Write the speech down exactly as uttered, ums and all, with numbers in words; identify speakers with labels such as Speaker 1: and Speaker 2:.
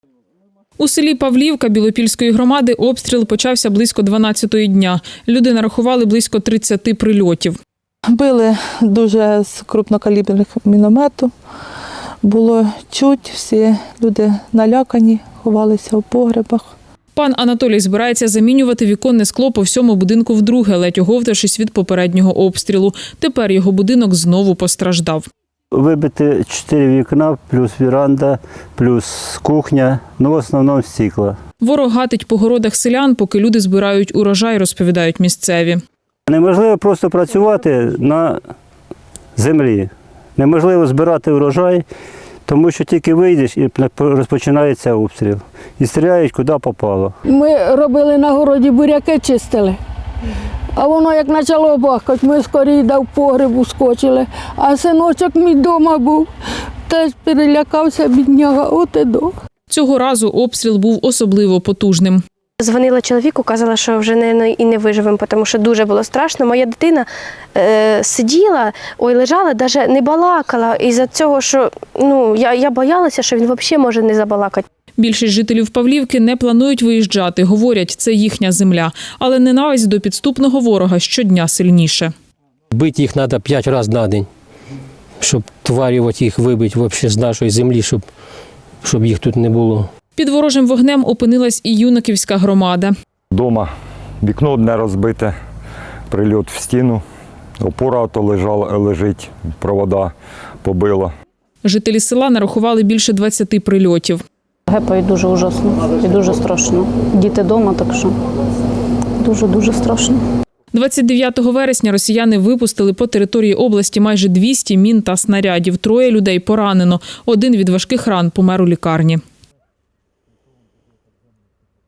Speaker 1: У селі Павлівка Білопільської громади обстріл почався близько дванадцятої дня. Люди нарахували близько тридцяти прильотів.
Speaker 2: Били дуже з крупнокаліберних міномету. Було чуть, всі люди налякані, ховалися у погребах.
Speaker 1: Пан Анатолій збирається замінювати віконне скло по всьому будинку вдруге, ледь оговтавшись від попереднього обстрілу. Тепер його будинок знову постраждав.
Speaker 3: Вибити чотири вікна, плюс віранда, плюс кухня, ну в основному стекла.
Speaker 1: Ворог гатить по городах селян, поки люди збирають урожай, розповідають місцеві.
Speaker 3: Неможливо просто працювати на землі. Неможливо збирати урожай, тому що тільки вийдеш і розпочинається обстріл. І стріляють куди попало.
Speaker 4: Ми робили на городі, буряки чистили. А воно як почало бахкати, ми скоріше до погребу скочили. А синочок мій вдома був, теж перелякався, бідняга, от і до.
Speaker 1: Цього разу обстріл був особливо потужним.
Speaker 5: Дзвонила чоловіку, казала, що вже не, і не виживемо, тому що дуже було страшно. Моя дитина е, сиділа, ой, лежала, навіть не балакала. Із-за цього, що ну, я, я боялася, що він взагалі може не забалакати.
Speaker 1: Більшість жителів Павлівки не планують виїжджати. Говорять, це їхня земля. Але ненависть до підступного ворога щодня сильніше.
Speaker 6: Бити їх треба п'ять разів на день, щоб тварів їх вибити взагалі з нашої землі, щоб, щоб їх тут не було.
Speaker 1: Під ворожим вогнем опинилась і Юнаківська громада.
Speaker 7: Дома вікно одне розбите, прильот в стіну, опора то лежала, лежить, провода побила.
Speaker 1: Жителі села нарахували більше двадцяти прильотів.
Speaker 8: Гепають дуже ужасно і дуже страшно. Діти вдома, так що дуже-дуже страшно.
Speaker 1: двадцять дев'ятого вересня росіяни випустили по території області майже двісті мін та снарядів. Троє людей поранено. Один від важких ран помер у лікарні.